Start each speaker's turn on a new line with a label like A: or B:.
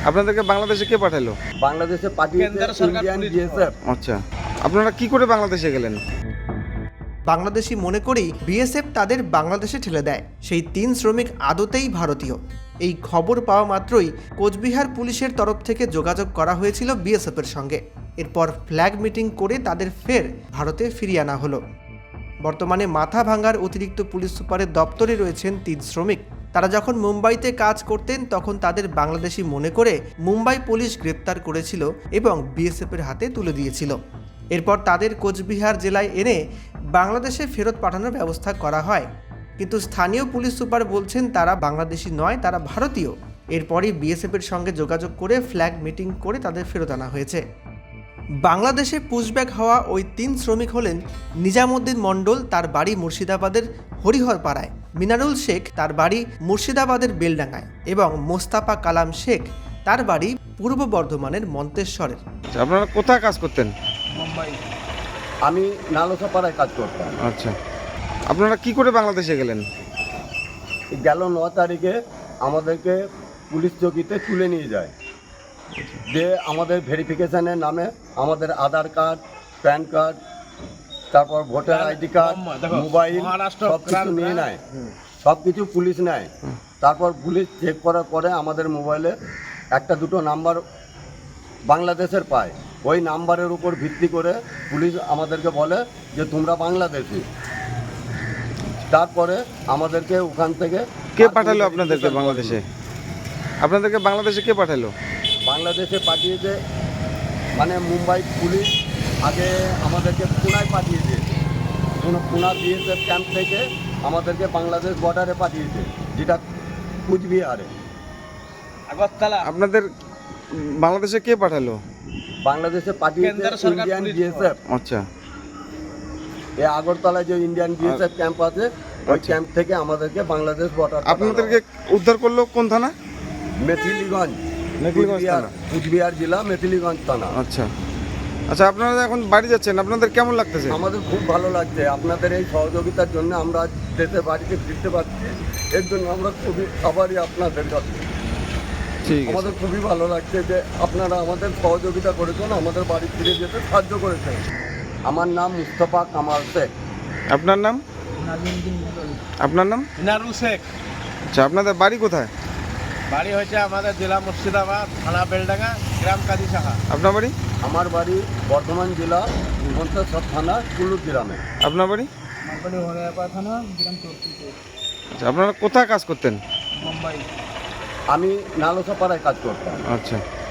A: আপনাদেরকে বাংলাদেশে কে পাঠালো?
B: বাংলাদেশে পাঠিয়েছে ইন্ডিয়ান বিএসএফ।
A: আচ্ছা, আপনারা কি করে বাংলাদেশে গেলেন?
C: বাংলাদেশি মনে করেই বিএসএফ তাদের বাংলাদেশে ঠেলে দেয়। সেই 3 শ্রমিক আদতেই ভারতীয়। এই খবর পাওয়া মাত্রই কোচবিহার পুলিশের তরফ থেকে যোগাযোগ করা হয়েছিল বিএসএফের সঙ্গে। এরপর ফ্ল্যাগ মিটিং করে তাদের ফের ভারতে ফিরিয়ে আনা হলো। বর্তমানে মাথা ভাঙার অতিরিক্ত পুলিশ সুপারের দপ্তরে রয়েছেন 3 শ্রমিক। তারা যখন মুম্বাইতে কাজ করতেন তখন তাদের বাংলাদেশি মনে করে মুম্বাই পুলিশ গ্রেপ্তার করেছিল এবং বিএসএফের হাতে তুলে দিয়েছিল। এরপর তাদের কোচবিহার জেলায় এনে বাংলাদেশে ফেরত পাঠানোর ব্যবস্থা করা হয়, কিন্তু স্থানীয় পুলিশ সুপার বলছেন তারা বাংলাদেশি নয়, তারা ভারতীয়। এরপরই বিএসএফের সঙ্গে যোগাযোগ করে ফ্ল্যাগ মিটিং করে তাদের ফেরত আনা হয়েছে। বাংলাদেশে পুশব্যাক হওয়া ওই 3 শ্রমিক হলেন নিজামুদ্দিন মণ্ডল, তার বাড়ি মুর্শিদাবাদের হরিহরপাড়ায়, মিনারুল শেখ, তার বাড়ি মুর্শিদাবাদের বেলডাঙ্গায়, এবং মোস্তাফা কালাম শেখ, তার বাড়ি পূর্ব বর্ধমানের মন্তেশ্বরের।
A: আচ্ছা, আপনারা কোথায় কাজ করতেন?
B: মুম্বাই। আমি নালসাপাড়ায় কাজ করতাম।
A: আচ্ছা, আপনারা কি করে বাংলাদেশে গেলেন?
B: গেল 9 তারিখে আমাদেরকে পুলিশ চৌকিতে তুলে নিয়ে যায়, যে আমাদের ভেরিফিকেশনের নামে আমাদের আধার কার্ড, প্যান কার্ড, তারপর ভোটার আইডি কার্ড, মোবাইল সব কিছু নিয়ে নেয়। সব কিছু পুলিশ নেয়। তারপর পুলিশ চেক করার পরে আমাদের মোবাইলে একটা দুটো নাম্বার বাংলাদেশের পায়। ওই নাম্বারের উপর ভিত্তি করে পুলিশ আমাদেরকে বলে যে তোমরা বাংলাদেশি। তারপরে আমাদেরকে ওখান থেকে
A: কে পাঠালো আপনাদেরকে বাংলাদেশে? আপনাদেরকে বাংলাদেশে কে পাঠালো?
B: বাংলাদেশে পাঠিয়েছে মানে মুম্বাই পুলিশ আগে আমাদেরকে পুনায় পাঠিয়ে দিয়েছে। পুনা বিএসএফ ক্যাম্প থেকে আমাদেরকে বাংলাদেশ বর্ডারে পাঠিয়েছে, যেটা কুচবিহারে।
A: আপনাদের বাংলাদেশে কে পাঠালো?
B: বাংলাদেশে পাঠিয়েছে ইন্ডিয়ান বিএসএফ।
A: আচ্ছা,
B: এই আগরতলায় যে ইন্ডিয়ান বিএসএফ ক্যাম্প আছে, ওই ক্যাম্প থেকে আমাদেরকে বাংলাদেশ বর্ডার।
A: আপনাদেরকে উদ্ধার করলো কোন থানা?
B: মেথিলিগঞ্জ,
A: থানা।
B: কুচবিহার জেলা মেথিলিগঞ্জ থানা।
A: আচ্ছা আচ্ছা, আপনারা এখন বাড়ি যাচ্ছেন, আপনাদের কেমন লাগতেছে?
B: আমাদের খুব ভালো লাগছে। আপনাদের এই সহযোগিতার জন্য আমরা দেশের বাড়িতে ফিরতে পারছি, এর জন্য আমরা খুবই আভারী আপনাদের কাছে।
A: ঠিক আছে,
B: আমাদের খুবই ভালো লাগছে যে আপনারা আমাদের সহযোগিতা করেছেন, আমাদের বাড়ি ফিরে যেতে সাহায্য করেছেন। আমার নাম মুস্তফা কামাল শেখ।
A: আপনার নাম? আপনার নাম?
D: মিনারুল শেখ।
A: আচ্ছা, আপনাদের বাড়ি কোথায়?
D: বাড়ি হয়েছে আমাদের জেলা মুর্শিদাবাদ, থানা বেলডাঙ্গা, গ্রাম কাজী শাখা।
A: আপনার বাড়ি?
B: আমার বাড়ি বর্ধমান জেলা মন্তেশ্বর থানা কুলুর গ্রামে।
A: আপনার বাড়ি?
D: আমার বাড়ি হরিয়াপাড়া থানা, গ্রাম চৌধুরীপুর,
A: আচ্ছা, আপনারা কোথায় কাজ করতেন?
D: মুম্বাই।
B: আমি নালসাপাড়ায় কাজ করতাম।
A: আচ্ছা।